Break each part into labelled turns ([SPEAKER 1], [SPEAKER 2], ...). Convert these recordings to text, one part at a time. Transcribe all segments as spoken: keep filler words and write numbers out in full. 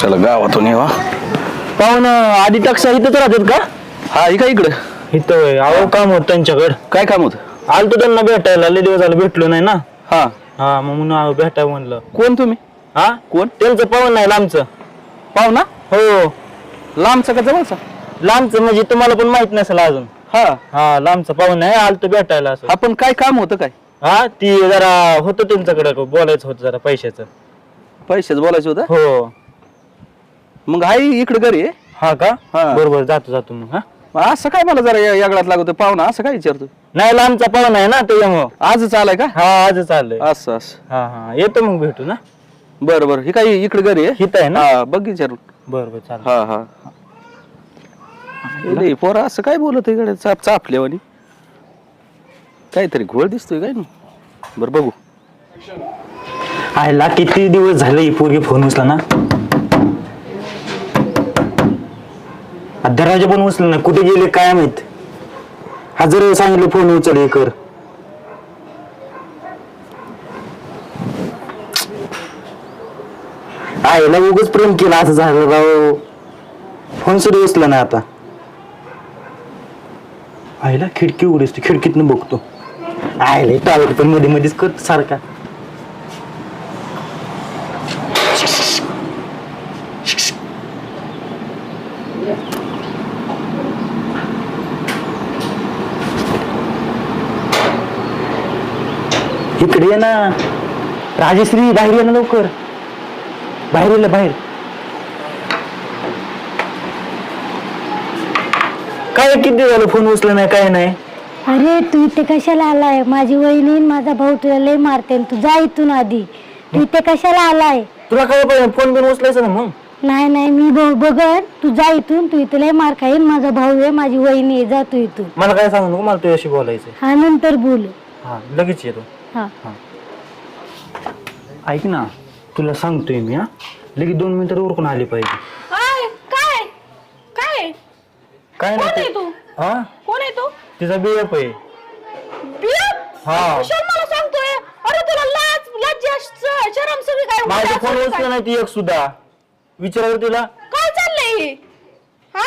[SPEAKER 1] चला गावातून येवा.
[SPEAKER 2] पाहून आधी टक्सा इथंच राहतात का?
[SPEAKER 1] हा ही का इकडं
[SPEAKER 2] इथं होय. अहो काम होत त्यांच्याकडं.
[SPEAKER 1] काय काम होत?
[SPEAKER 2] आलतो त्यांना भेटायला, लय दिवस झालं भेटलो नाही ना.
[SPEAKER 1] हा
[SPEAKER 2] हा मग म्हणून आलो भेटाय म्हणलं.
[SPEAKER 1] कोण तुम्ही?
[SPEAKER 2] हा
[SPEAKER 1] कोण?
[SPEAKER 2] त्यांचं पाहून नाही लांबचं.
[SPEAKER 1] पाहुणा?
[SPEAKER 2] हो
[SPEAKER 1] लांबचा का जवळचा?
[SPEAKER 2] लांबचं म्हणजे तुम्हाला पण माहित नसेल अजून.
[SPEAKER 1] हा
[SPEAKER 2] हा लांबचं पाहून नाही आलतो भेटायला असं.
[SPEAKER 1] आपण काय काम होतं काय?
[SPEAKER 2] हा ती जरा होतं त्यांच्याकडे बोलायचं होतं जरा पैशाचं.
[SPEAKER 1] पैसेच बोलायचं होतं.
[SPEAKER 2] हो
[SPEAKER 1] मग हाय इकडे घरी आहे.
[SPEAKER 2] हा का?
[SPEAKER 1] हा.
[SPEAKER 2] बरोबर जातो जातो मग. हा
[SPEAKER 1] मग असं काय मला जरा या- यागळात लागत पाहुणा असं काय विचारतो?
[SPEAKER 2] नाही लांबचा पाहुणा आहे ना त्याच्यामुळं.
[SPEAKER 1] आजच आलाय का?
[SPEAKER 2] हा आजच आलंय.
[SPEAKER 1] असं असं
[SPEAKER 2] हा हा येतो मग भेटू ना.
[SPEAKER 1] बरं बरं ही काय इकडे घरी आहे.
[SPEAKER 2] हित आहे ना.
[SPEAKER 1] हा बघ विचारून.
[SPEAKER 2] बरोबर चालेल.
[SPEAKER 1] हा हा लय पोरा असं काय बोलत इकडे चाप चापल्यावानी काहीतरी घोळ दिसतोय काय ना. बरं बघू.
[SPEAKER 2] आयला किती दिवस झाले ही पोरगी फोन उचला ना. दरवाजा पण उचला ना. कुठे गेले काय माहित. हजार सांगितलं फोन उचल हे कर. आईला उगाच प्रेम केला असं झालं राव. फोन सुद्धा उचला नाही आता. आईला खिडकी उघडीस खिडकीतनं बघतो. आईला टावर पण मध्ये मध्येच करत सारखा. इकडे ये ना राजश्री. बाहेर ये ना लवकर. बाहेर ये बाहेर. काय किती झालं फोन उचला नाही काय नाही.
[SPEAKER 3] अरे तू इथे कशाला आलाय? माझी वहिनी आणि माझा भाऊ तुला लय मारते. तू जा इथून आधी. तू इथे कशाला आलाय?
[SPEAKER 2] तुला काय पाहिजे फोन बिन उचलायचं ना मग.
[SPEAKER 3] नाही नाही मी भाऊ बघत. तू जा इथून. तू इथे लय मार खाईन. माझा भाऊ आहे माझी वहिनी आहे. जा तू इथून.
[SPEAKER 2] मला काय सांगू नको. मला तुझ्याशी बोलायचं.
[SPEAKER 3] हा नंतर बोल.
[SPEAKER 2] हा लगेच येतो.
[SPEAKER 3] हा
[SPEAKER 2] ऐक ना तुला सांगतोय मी. हा लगेच दोन मिनिटं उरकून आली पाहिजे.
[SPEAKER 4] काय काय काय
[SPEAKER 2] काय
[SPEAKER 4] कोण आहे
[SPEAKER 2] नाही
[SPEAKER 4] तू?
[SPEAKER 2] हा
[SPEAKER 4] कोण आहे तू?
[SPEAKER 2] तिचा बीएफ आहे.
[SPEAKER 4] बियप?
[SPEAKER 2] हा.
[SPEAKER 4] कुशल मला सांगतोय. अरे तुला लाज लज्जा श- शरम सगळी काय
[SPEAKER 2] माझा
[SPEAKER 4] उलट
[SPEAKER 2] फोन
[SPEAKER 4] असं
[SPEAKER 2] उचला
[SPEAKER 4] काय?
[SPEAKER 2] नाही ती एक सुद्धा. विचारावर तिला.
[SPEAKER 4] काय चाललंय हे? हा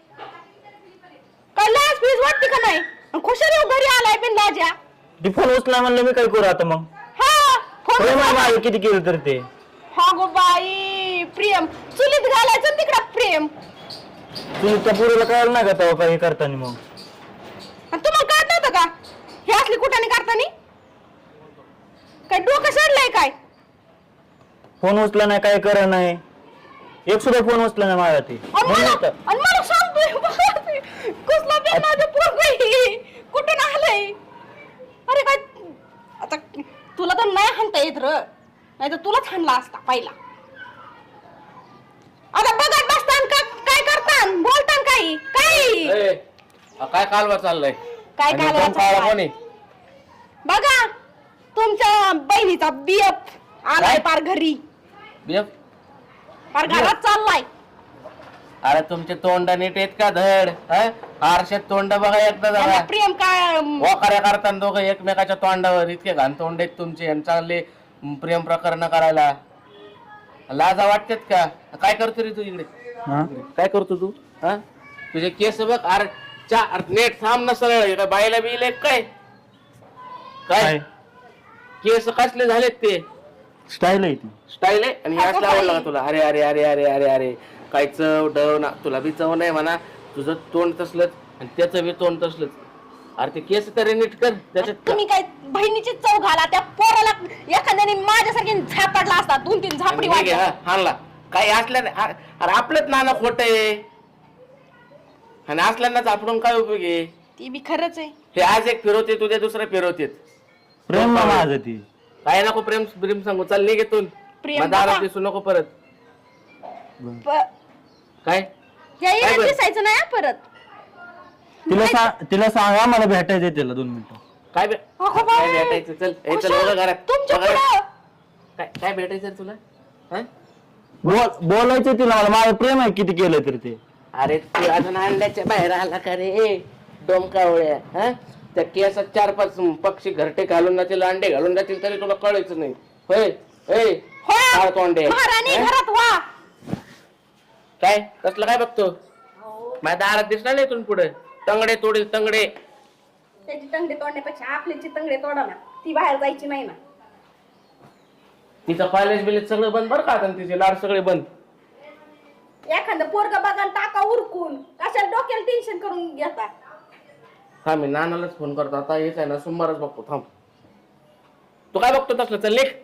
[SPEAKER 4] काय लाज बीज वाटते का नाही? आणि खुशाल येऊ घरी आलाय बिन लाजा.
[SPEAKER 2] ती फोन उचला म्हणलं मी काय करू आता मग.
[SPEAKER 4] हा फोन
[SPEAKER 2] प्रेम आहे
[SPEAKER 4] उचला.
[SPEAKER 2] माझं किती केलं तर ते.
[SPEAKER 4] हा गो बाई प्रेम चुलीत घालायचं तिकडं प्रेम.
[SPEAKER 2] तुम्ही त्या पुरीला कळलं नाही का तेव्हा काही करताना मग.
[SPEAKER 4] आणि तुम्हाला कळत नव्हतं का हे असली कुठाने करतानी? काय डोकं सडलंय काय?
[SPEAKER 2] फोन उचला नाही काय करा नाही. एक सुद्धा फोन उचला नाही माझा ती.
[SPEAKER 4] आणि
[SPEAKER 2] म्हणून
[SPEAKER 4] मला
[SPEAKER 2] तर.
[SPEAKER 4] आणि मला सांगतोय कसला बेनाचं पोरगं कुठून आलंय? अरे काय आता तुला तर नाही हाणता येत र. नाही तर तुलाच हाणला असता पहिला. आता बघत बसतान का काय करतान बोलतान काही काही
[SPEAKER 5] ए, काय कालवा चाललाय?
[SPEAKER 4] काय
[SPEAKER 5] आणि
[SPEAKER 4] कालवा
[SPEAKER 5] एकदम काळा
[SPEAKER 4] चाललाय?
[SPEAKER 5] कोण आहे?
[SPEAKER 4] बघा तुमच्या बहिणीचा बियप आलाय पार घरी.
[SPEAKER 5] बियप?
[SPEAKER 4] पार घरात चाललाय.
[SPEAKER 5] अरे तुमचे तोंड नीट आहेत का धड? हं? आरशात तोंड बघा एकदा
[SPEAKER 4] त्यांना
[SPEAKER 5] जरा.
[SPEAKER 4] प्रेम काय
[SPEAKER 5] वाकाऱ्या करताना दोघं एकमेकाच्या तोंडावर इतके घाण तोंड आहेत तुमचे आणि चांगले प्रेम प्रकरण करायला लाजा वाटतात का? काय करतो रे तू इकडे?
[SPEAKER 2] हा?
[SPEAKER 5] काय करतो तू? हा तुझे केस बघ. अरे चा अरे नेट थांब ना सरळ. काय बायला बिले काय काय
[SPEAKER 2] काय
[SPEAKER 5] केस कसले झालेत ते?
[SPEAKER 2] स्टाईल आहे ती.
[SPEAKER 5] स्टाईल आहे आणि
[SPEAKER 4] अगं
[SPEAKER 5] याच आवडला
[SPEAKER 4] बाई.
[SPEAKER 5] का तुला? अरे अरे अरे अरे अरे अरे काय चव डव ना. तुला बी चव नाही म्हणा. तुझं तोंड तसलंच आणि त्याचं बी तोंड तसलंच. अरे ते केस तरी नीट कर त्याच्यात.
[SPEAKER 4] तुम्ही काय बहिणीची चव घाला त्या पोराला. एखाद्याने माझ्यासारखी झापडला असता. दोन तीन झापडी
[SPEAKER 5] आणि हे घे,
[SPEAKER 4] वाटल्या.
[SPEAKER 5] हा, हाणला काही असल्या नाही. अरे अरे आपलंच नाना खोट आहे आणि असल्यांनाच आपण काय उपयोग आहे?
[SPEAKER 4] ती बी खरंच आहे.
[SPEAKER 5] हे आज एक फिरवते तुझ्या दुसरं फिरवतेत.
[SPEAKER 2] प्रेम आहे माझं ती.
[SPEAKER 5] काय नको प्रेम प्रेम सांगू. चल निघेतून.
[SPEAKER 4] प्रेम
[SPEAKER 5] दारात
[SPEAKER 4] बाबा.
[SPEAKER 5] दिसू नको परत.
[SPEAKER 4] प-
[SPEAKER 5] काय
[SPEAKER 4] या
[SPEAKER 5] काय
[SPEAKER 4] येण्यात
[SPEAKER 5] बरं?
[SPEAKER 4] दिसायचं नाही हा परत.
[SPEAKER 2] तिला सांग तिला सांगा मला भेटायचं तिला दोन मिनिटं.
[SPEAKER 5] काय बे-
[SPEAKER 4] अगो
[SPEAKER 5] काय
[SPEAKER 4] बाई.
[SPEAKER 5] भेटायचं? चल ए, चल
[SPEAKER 4] खुशाल,
[SPEAKER 5] बघा घरात.
[SPEAKER 4] तुमच्या
[SPEAKER 5] बघा घरात.
[SPEAKER 4] पुढं.
[SPEAKER 5] काय काय भेटायचं रे तुला? हं?
[SPEAKER 2] बोल बोलायचं तिला मला. माझं प्रेम आहे किती केलं तरी ते.
[SPEAKER 5] अरे तू अजून अंड्याच्या बाहेर आला का रे डोमकावळ्या? हं? त्या केसात चार पाच पक्षी घरटे घालून जातील अंडे घालून जातील तरी तुला कळायचं नाही. होय ए
[SPEAKER 4] होय.
[SPEAKER 5] काय तोंडे
[SPEAKER 4] महाराणी
[SPEAKER 5] हं?
[SPEAKER 4] घरात वा.
[SPEAKER 5] काय कसलं काय बघतो माझ्या दारात दिसणार नाही तुम्ही पुढे तंगडे तोडे तंगडे.
[SPEAKER 4] त्याची तंगडे तोडण्यापेक्षा आपल्याची तंगडे तोडा ना, ती बाहेर जायची नाही ना.
[SPEAKER 5] तिचं कॉलेज बिलेज सगळं बंद बरं का आता तिचे लाड सगळे बंद.
[SPEAKER 4] एखादं पोरगा बघा टाका उरकून, कशाला डोक्याला टेन्शन करून घेता.
[SPEAKER 5] हा मी नानालाच फोन करतो आता. हेच आहे ना सोमवारच बघतो थांब. तू काय बघतो तसलं चल लेख.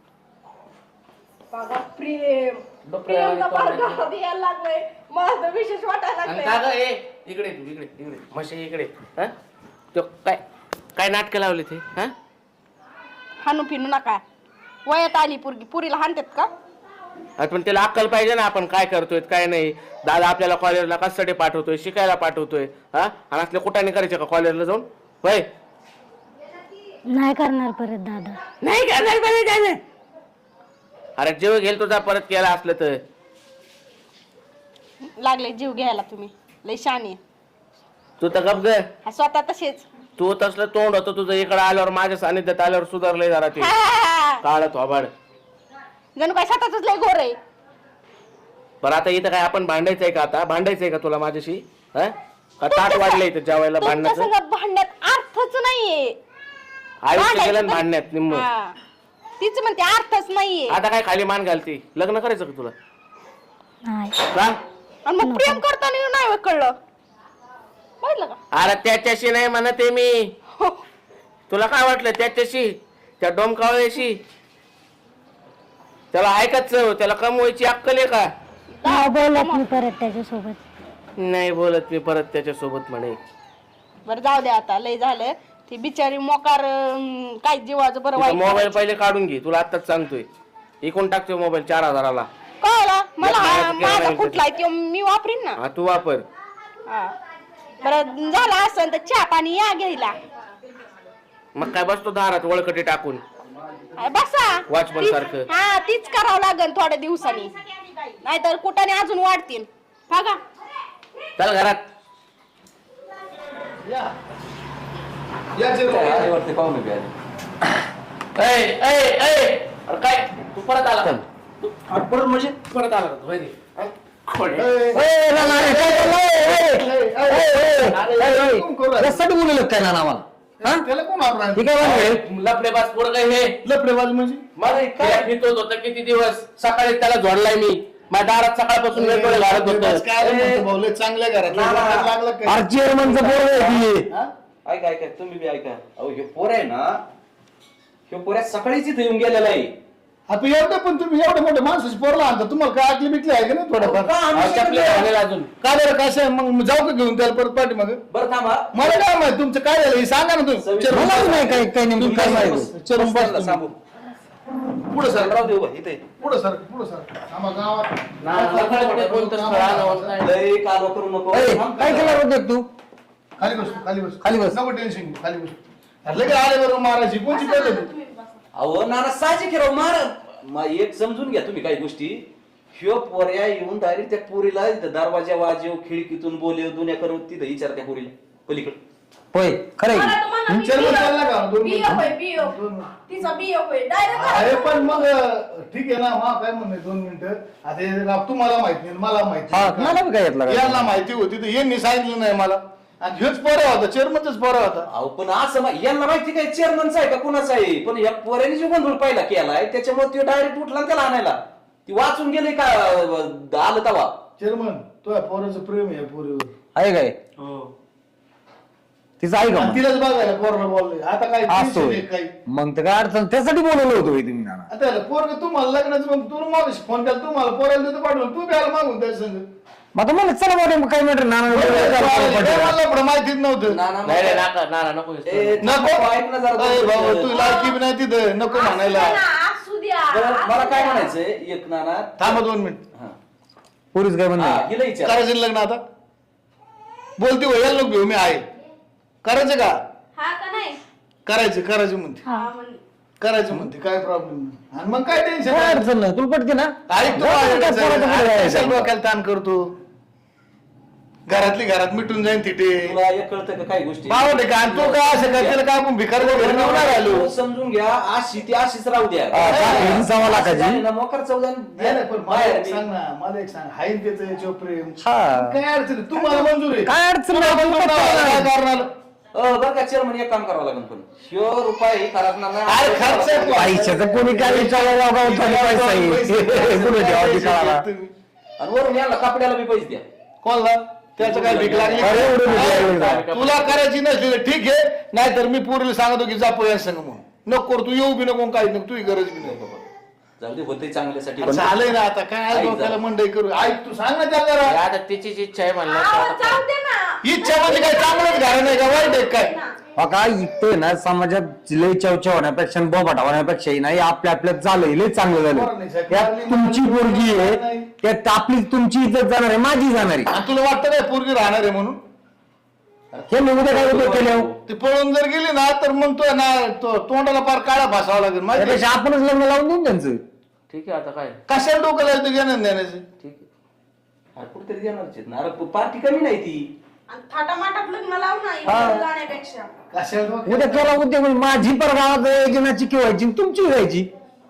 [SPEAKER 4] बघा प्रेम
[SPEAKER 5] डोक्याला
[SPEAKER 4] प्रेमला
[SPEAKER 5] आणि
[SPEAKER 4] फार
[SPEAKER 5] तोंडाला.
[SPEAKER 4] गावात यायला लागलंय, मला तर विशेष वाटायला
[SPEAKER 5] आणि
[SPEAKER 4] लागलंय.
[SPEAKER 5] का ग ए इकडे तू इकडे इकडे म्हशी इकडे. हा तो काय काय नाटकं लावले ते हा.
[SPEAKER 4] हाणू फिनू नका, वयात आली पुरगी, पुरीला हाणतात का?
[SPEAKER 5] आता पण त्याला अक्कल पाहिजे ना आपण काय करतोय काय नाही. दादा आपल्याला कॉलेजला कशासाठी पाठवतोय, शिकायला पाठवतोय हा. आणि असले कुठाने करायचे का कॉलेजला जाऊन होय.
[SPEAKER 3] नाही करणार परत दादा.
[SPEAKER 5] नाही करणार पाहिजे काय नाही. अरे जेव घेल तुझा परत केला असलं तर.
[SPEAKER 4] लागले जीव घ्यायला तुम्ही, लय शानी.
[SPEAKER 5] तू तर गप ग.
[SPEAKER 4] हा स्वतः तसेच.
[SPEAKER 5] तू तसलं तोंड होतं तुझं इकडे आल्यावर माझ्या सानिध्यात आल्यावर सुधारलंय जरा ते काळ थोबाड.
[SPEAKER 4] जणू काय स्वतःच लय गोर आहे.
[SPEAKER 5] बरं आता इथं काय आपण भांडायचंय का आता भांडायचंय का तुला माझ्याशी हा. का ताट वाढलंय इथं जेवायला
[SPEAKER 4] तुमच्या
[SPEAKER 5] भांडण्याचं.
[SPEAKER 4] संग भांडण्यात अर्थच नाहीये.
[SPEAKER 5] आयुष्य गेलं ना भांडण्यात निम्म.
[SPEAKER 4] हा. तीच म्हणते अर्थच नाहीये.
[SPEAKER 5] आता काय खाली मान घालती लग्न करायचं का तुला
[SPEAKER 3] नाही.
[SPEAKER 5] का.
[SPEAKER 4] आणि मग प्रेम करताना नाही होय कळलं, बघितलं का?
[SPEAKER 5] अरे त्याच्याशी नाही म्हणते मी.
[SPEAKER 4] हो.
[SPEAKER 5] तुला काय वाटलं त्याच्याशी त्या डोमकावळ्याशी. त्याला ऐकत त्याला कमवायची अक्कल आहे का.
[SPEAKER 3] नाही बोलत मी परत त्याच्यासोबत.
[SPEAKER 5] नाही बोलत मी परत त्याच्यासोबत म्हणे.
[SPEAKER 4] बरं जाऊ दे आता, लय झालं. ती बिचारी मोकार अं, काय जीवाचं बरं वाईट
[SPEAKER 5] मोबाईल पहिले काढून घे तुला आताच सांगतोय. इकून टाकतोय मोबाईल चार हजाराला.
[SPEAKER 4] कळलं मला.
[SPEAKER 5] नाही,
[SPEAKER 4] हा,
[SPEAKER 5] नाही,
[SPEAKER 4] माझा
[SPEAKER 5] नाही,
[SPEAKER 4] कुठला आहे तो मी वापरीन ना.
[SPEAKER 5] हा तू वापर.
[SPEAKER 4] हा. बरं झालं असं तर चहा पाणी या घ्यायला.
[SPEAKER 5] मग काय बसतो दारात वळकटी टाकून
[SPEAKER 4] अरे बसा.
[SPEAKER 5] Watchman
[SPEAKER 4] तीच-
[SPEAKER 5] सारखं.
[SPEAKER 4] हा तीच करावं लागेल थोड्या दिवसांनी, नाहीतर कुठाने अजून वाढतील. बघा
[SPEAKER 5] चल घरात.
[SPEAKER 1] आईवरती पाहुणे बी आले.
[SPEAKER 5] ऐ, ऐ, ऐ. अरे काय तू परत आला तू
[SPEAKER 1] परत म्हणजे
[SPEAKER 5] परत आला होय रे. हा? खोडे.
[SPEAKER 1] त्यासाठी बोलले काय ना आम्हाला.
[SPEAKER 6] त्याला कोण आवडणार?
[SPEAKER 1] ठीक आहे
[SPEAKER 5] लफडेबाज पोरग हे
[SPEAKER 6] लफडेबाज म्हणजे
[SPEAKER 5] मला काय फिरत होतं किती दिवस. सकाळी त्याला झोडलाय मी माझ्या दारात सकाळपासून वेगवेगळे घालत
[SPEAKER 6] लफडेबाज
[SPEAKER 5] होतं.
[SPEAKER 6] काय म्हणतो भाऊ, लय चांगल्या घरात लागला काय?
[SPEAKER 1] चेअरमनचं पोर आहे.
[SPEAKER 6] हा?
[SPEAKER 1] ऐका ऐका तुम्ही बी ऐका. अहो हे पोर आहे ना, हे पोऱ्या सकाळीच इथे येऊन गेलेला आहे.
[SPEAKER 6] आता एवढं पण तुम्ही एवढं मोठं माणसाची पोरला आणता, तुम्हाला काय आकली बिकली आहे का नाही थोडंफार?
[SPEAKER 5] हा, चपले घालेल अजून.
[SPEAKER 6] का बरं कसं आहे? मग जाऊ का घेऊन त्याला परत पाठी मग?
[SPEAKER 1] बरं थांबा.
[SPEAKER 6] मला काय माहिती तुमचं काय झालं हे सांगा ना तुम्ही.
[SPEAKER 1] सविस्तर-
[SPEAKER 6] चल,
[SPEAKER 1] मलाच नाही
[SPEAKER 6] काय काय नेमकं काय माहिती चरून बस तुम्ही.
[SPEAKER 1] सांगू
[SPEAKER 6] पुढे सर
[SPEAKER 1] राहू दे उभा इथे.
[SPEAKER 6] पुढे सर पुढे सर आम्हा गावात
[SPEAKER 5] ना, लफडेबाज कोणतं स्थळ आलं होतं नाही.
[SPEAKER 1] लय कालो करू नको. थांब.
[SPEAKER 2] काय केलं होतं तू.
[SPEAKER 6] खाली बस खाली बस
[SPEAKER 2] खाली बस.
[SPEAKER 6] नको टेन्शन घेऊ खाली बस. अरे लगेच आले बरोबर मारायची कोणची पद्धत?
[SPEAKER 1] अहो नाना साहजिक आहे राव. मार मा- एक समजून घ्या तुम्ही काही गोष्टी. ह्यो पोऱ्या येऊन डायरेक्ट त्या पोरीला इथं दरवाजा वाजव खिडकीतून बोलेव दुनिया करू तिथं विचार त्या पोरीला पलीकडे.
[SPEAKER 2] होय खरं
[SPEAKER 4] मला तुम्हाला
[SPEAKER 6] चल चालला का दोन
[SPEAKER 4] बियो
[SPEAKER 6] मिनिटं?
[SPEAKER 4] होय बियो. तिचा बियो होय डायरेक्ट.
[SPEAKER 6] अरे पण मग ठीक आहे ना मा काय म्हणणे दोन मिनिटं. आता हे राव तुम्हाला माहिती नाही मला माहिती
[SPEAKER 2] हा,
[SPEAKER 6] नाही.
[SPEAKER 2] मला बी काय येतलं काय?
[SPEAKER 6] यांना माहिती होती तर यांनी सांगितलं नाही मला. आणि हेच पोरा होता चेअरमनच पोरा होता.
[SPEAKER 1] अहो पण असं मा- यांना माहिती काय चेअरमनचा आहे का कुणाचा आहे. पण या पोऱ्याने जो गोंधळ पाहिला केलाय त्याच्यामुळे ते डायरेक्ट उठला आणि त्याला आणायला. ती वाचून गेले का अं, आलं तवा.
[SPEAKER 6] चेअरमन तो पोराचं प्रेम आहे या पोरीवर.
[SPEAKER 2] आहे काय तिचं आहे का
[SPEAKER 6] आणि
[SPEAKER 2] मग?
[SPEAKER 6] तिलाच बघायला पोराला बोललोय आता काय
[SPEAKER 2] असं
[SPEAKER 6] tension
[SPEAKER 2] होय.
[SPEAKER 6] आहे काही.
[SPEAKER 2] मग तर काय अडचण त्यासाठी बोलवलं होतं होय तुम्ही नाना.
[SPEAKER 6] आता पोरग तुम्हाला लग्नाचं मग तू मग फोन केला तुम्हाला पोराला देतो पाठवलं तू घ्यायला मागून त्याच्या संग.
[SPEAKER 2] मग आता मला चला मोठे काय मॅटर नाना
[SPEAKER 6] मला पण माहितीच नव्हतं.
[SPEAKER 1] ना, ना,
[SPEAKER 5] नाही रे नाका नाना नको
[SPEAKER 1] ए,
[SPEAKER 6] नको
[SPEAKER 1] ऐक ना जरा
[SPEAKER 6] अय
[SPEAKER 1] दोन
[SPEAKER 6] भाऊ
[SPEAKER 1] मिनिटं.
[SPEAKER 6] तू लायकी बी नाही तिथं नको म्हणायला.
[SPEAKER 4] असू द्या.
[SPEAKER 1] बरं, मला काय म्हणायचंय एक नाना.
[SPEAKER 6] थांबा दोन मिनिट
[SPEAKER 1] हा.
[SPEAKER 2] पोरीच काय
[SPEAKER 1] हा,
[SPEAKER 2] म्हणणार
[SPEAKER 1] हिला विचार.
[SPEAKER 6] करायचं ना लग्न आता बोलते हो यायला नको घेऊ मी आहे करायचं का
[SPEAKER 4] हा का नाही.
[SPEAKER 6] करायचं करायचं म्हणते
[SPEAKER 3] हा.
[SPEAKER 4] हा म्हण.
[SPEAKER 6] करायचं म्हणते काय प्रॉब्लेम नाही. आणि मग काय टेन्शन
[SPEAKER 2] काय अडचण नाही तुला पटते ना
[SPEAKER 6] ऐक तू
[SPEAKER 2] जाऊ दे, काय पोराचं पुढे जायचं.
[SPEAKER 6] डोक्याला ताण करतो घरातली घरात मिटून जाईन तिथे
[SPEAKER 1] तुला एक कळतं का काही गोष्टी
[SPEAKER 6] पाहू दे का आणि तो काय असं काय त्याला काय आपण भिकार वगैरे नेऊन नाही राहिलो
[SPEAKER 1] तू समजून घ्या अशी ती अशीच राहू द्या
[SPEAKER 2] हा, चालेल, सव्वा लाखाची.
[SPEAKER 1] आणि ना मोकर चौदान
[SPEAKER 6] नाही नाही, पण मला
[SPEAKER 1] बाहेर
[SPEAKER 6] एक
[SPEAKER 1] बी.
[SPEAKER 6] सांग ना मला एक सांग हाय ना त्याचं याच्यावर प्रेम
[SPEAKER 2] हा.
[SPEAKER 6] काय अडचण आहे? तुम्हाला मंजूर आहे
[SPEAKER 2] काय अडचण
[SPEAKER 6] तुला
[SPEAKER 2] नाही,
[SPEAKER 6] मंजूर
[SPEAKER 2] काय
[SPEAKER 6] नाही,
[SPEAKER 2] नाही.
[SPEAKER 6] काय कारण आलं?
[SPEAKER 1] अ, बरं का चेअरमन एक काम करावं लागेल पण ह्यो रुपये ही खराब ना
[SPEAKER 6] अरे खर्च आहे.
[SPEAKER 2] पैशाचं कोणी काय विचारायला गावात पैसा आहे कुणी द्यावा विचारायला
[SPEAKER 1] आणि वरून याला कपड्याला बी पैसे द्या
[SPEAKER 6] कोणला त्याचं काय भीक लागली
[SPEAKER 2] अरे, एवढं भीक लागली
[SPEAKER 6] काय?
[SPEAKER 2] का?
[SPEAKER 6] तुला करायची नसली तर ठीक आहे नाहीतर मी पोरीला सांगतो की जा पोया संग म्हणून नको करू, तू येऊ बी नको काही नको तुझी गरज बी नको
[SPEAKER 1] जाऊ दे होते चांगल्यासाठी
[SPEAKER 6] अरे झालंय ना आता काय
[SPEAKER 1] ऐक
[SPEAKER 6] डोक्याला
[SPEAKER 1] जरा.
[SPEAKER 6] मंडई करू ऐक तू सांग ना त्याला जरा.
[SPEAKER 5] आता तिचीच इच्छा आहे म्हणलं
[SPEAKER 4] आहो, जाऊ दे ना
[SPEAKER 6] इच्छा म्हणजे काय चांगलंच घालणं नाही का वाईट आहे काय
[SPEAKER 2] का इथं ना समाजात लय चवच्या होण्यापेक्षा आणि बोबाटा होण्यापेक्षा नाही आपल्या आपल्यात झालंय लय चांगलं झालं त्यात तुमची पोरगी आहे त्यात आपली तुमची इज्जत जाणार आहे माझी जाणार आहे
[SPEAKER 6] आणि तुला वाटतं काय पोरगी राहणार आहे म्हणून
[SPEAKER 2] हे मी उद्या काय उपयोग केले
[SPEAKER 6] ती पळून जर गेली ना तर मग तो ना तो तोंडाला पार काळा फासावा लागेल माहिती आहे?
[SPEAKER 2] त्यापेक्षा आपणच लग्न लावून देऊन त्यांचं
[SPEAKER 5] ठीक आहे आता काय
[SPEAKER 6] कशाला डोकं लागतं घेणं देण्याचं
[SPEAKER 5] ठीक आहे
[SPEAKER 1] अरे कुठेतरी देणारच आहेत ना अरे पार्टी कमी नाही ती
[SPEAKER 4] आणि थाटामाटात लग्न लाव ना इकडे जाण्यापेक्षा
[SPEAKER 6] कशाला डोकं-
[SPEAKER 2] उद्या केला उद्योग म्हणजे माझी पर गावात एकजणाची किंवा व्हायची आणि तुमची व्हायची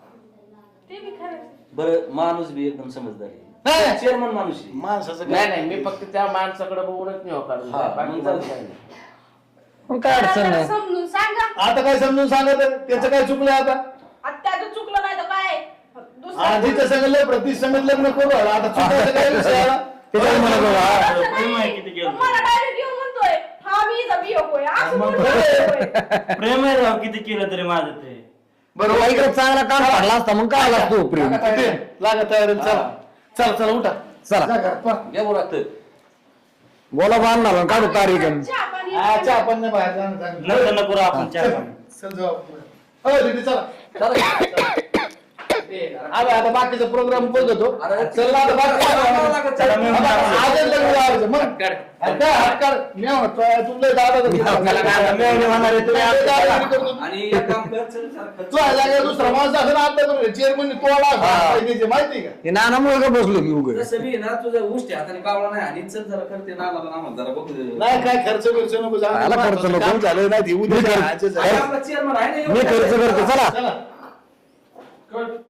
[SPEAKER 4] ते बी खरं
[SPEAKER 1] बरं माणूस बी एकदम समजदार
[SPEAKER 6] नाही.
[SPEAKER 1] आहे चेअरमन माणूस आहे.
[SPEAKER 6] माणसाचं
[SPEAKER 5] नाही
[SPEAKER 6] काय
[SPEAKER 5] नाही मी फक्त त्या माणसाकडे बघूनच नाही हो काढून
[SPEAKER 1] हा,
[SPEAKER 5] बाकी
[SPEAKER 1] मग
[SPEAKER 5] माझं
[SPEAKER 1] जाऊ
[SPEAKER 5] काही
[SPEAKER 1] दे.
[SPEAKER 5] नाही.
[SPEAKER 2] मग काय अडचण नाही
[SPEAKER 4] समजून सांगा
[SPEAKER 6] आता काय समजून सांगत आहे? त्याचं काय चुकलं आता
[SPEAKER 4] आता त्याचं चुकलं नाही तर काय
[SPEAKER 6] आधीचं सगळं लय प्रति समेत लग्न करू राहिला. आता चुकायचं काय विषय आला?
[SPEAKER 2] त्याच्यावर म्हणत होता, हा.
[SPEAKER 4] मला डायरेक्ट येऊन म्हणतोय हा मी इथं बी होय असं
[SPEAKER 6] मग
[SPEAKER 4] म्हणतोय.
[SPEAKER 7] प्रेम आहे राव किती केलं तरी माझं ते
[SPEAKER 6] बरोबर
[SPEAKER 2] तुला इकडे चांगला काम पडला असता मग काय आला तू प्रेम
[SPEAKER 6] तिथे लागा तयारी चला चला चला उठा
[SPEAKER 2] चला
[SPEAKER 6] जा घरात, पा.
[SPEAKER 1] घ्या बोला लागतं
[SPEAKER 2] बोला बांधणार काढू तारीख
[SPEAKER 4] चहा पाणी
[SPEAKER 6] हा, चहा पण नाही बाहेर जाणं चांगलं.
[SPEAKER 7] नंतर नको राव आपण चहा
[SPEAKER 6] चल,
[SPEAKER 7] पाणी.
[SPEAKER 6] चल जाऊ आपण. हो दीदी चला
[SPEAKER 1] चला.
[SPEAKER 6] आम्ही आता बाकीचा प्रोग्राम बघतो
[SPEAKER 1] अरे,
[SPEAKER 6] चल ना आता बाकी
[SPEAKER 7] चला, मी म्हणतो.
[SPEAKER 6] आजच लग्न लावायचं. मग अरे काय हात काढ मी म्हणतो तुला दादा तर घेऊन
[SPEAKER 2] आपल्याला
[SPEAKER 6] जा.
[SPEAKER 2] काय आता मेवणे म्हणणार आहे, तुम्ही
[SPEAKER 6] मी
[SPEAKER 2] आता
[SPEAKER 6] दादागिरी करतो.
[SPEAKER 1] आणि एक काम कर चल जरा खर्च-
[SPEAKER 6] तू आहे जागा दुसरा माणूस असं आता करू चेअरमन तोडा
[SPEAKER 2] हा.
[SPEAKER 6] माहिती माहिती का
[SPEAKER 2] हे नानामुळे का बसलो मी उघड
[SPEAKER 1] तसं बी ना तुझं उष्ट हाताने कावळा नाही आणि चल जरा करते ना आम्हाला आम्हाला जरा बघू दे.
[SPEAKER 6] नाही काय खर्च बिर्च नको जाऊ दे.
[SPEAKER 2] आला खर्च नको.
[SPEAKER 6] काम झालं नाही ती उद्या
[SPEAKER 2] मी कर-
[SPEAKER 6] आजच
[SPEAKER 1] आणि
[SPEAKER 6] आहे.
[SPEAKER 1] आपला चेअरमन आहे ना
[SPEAKER 2] मी
[SPEAKER 1] एवढं.
[SPEAKER 2] खर्च करतो चला
[SPEAKER 6] चला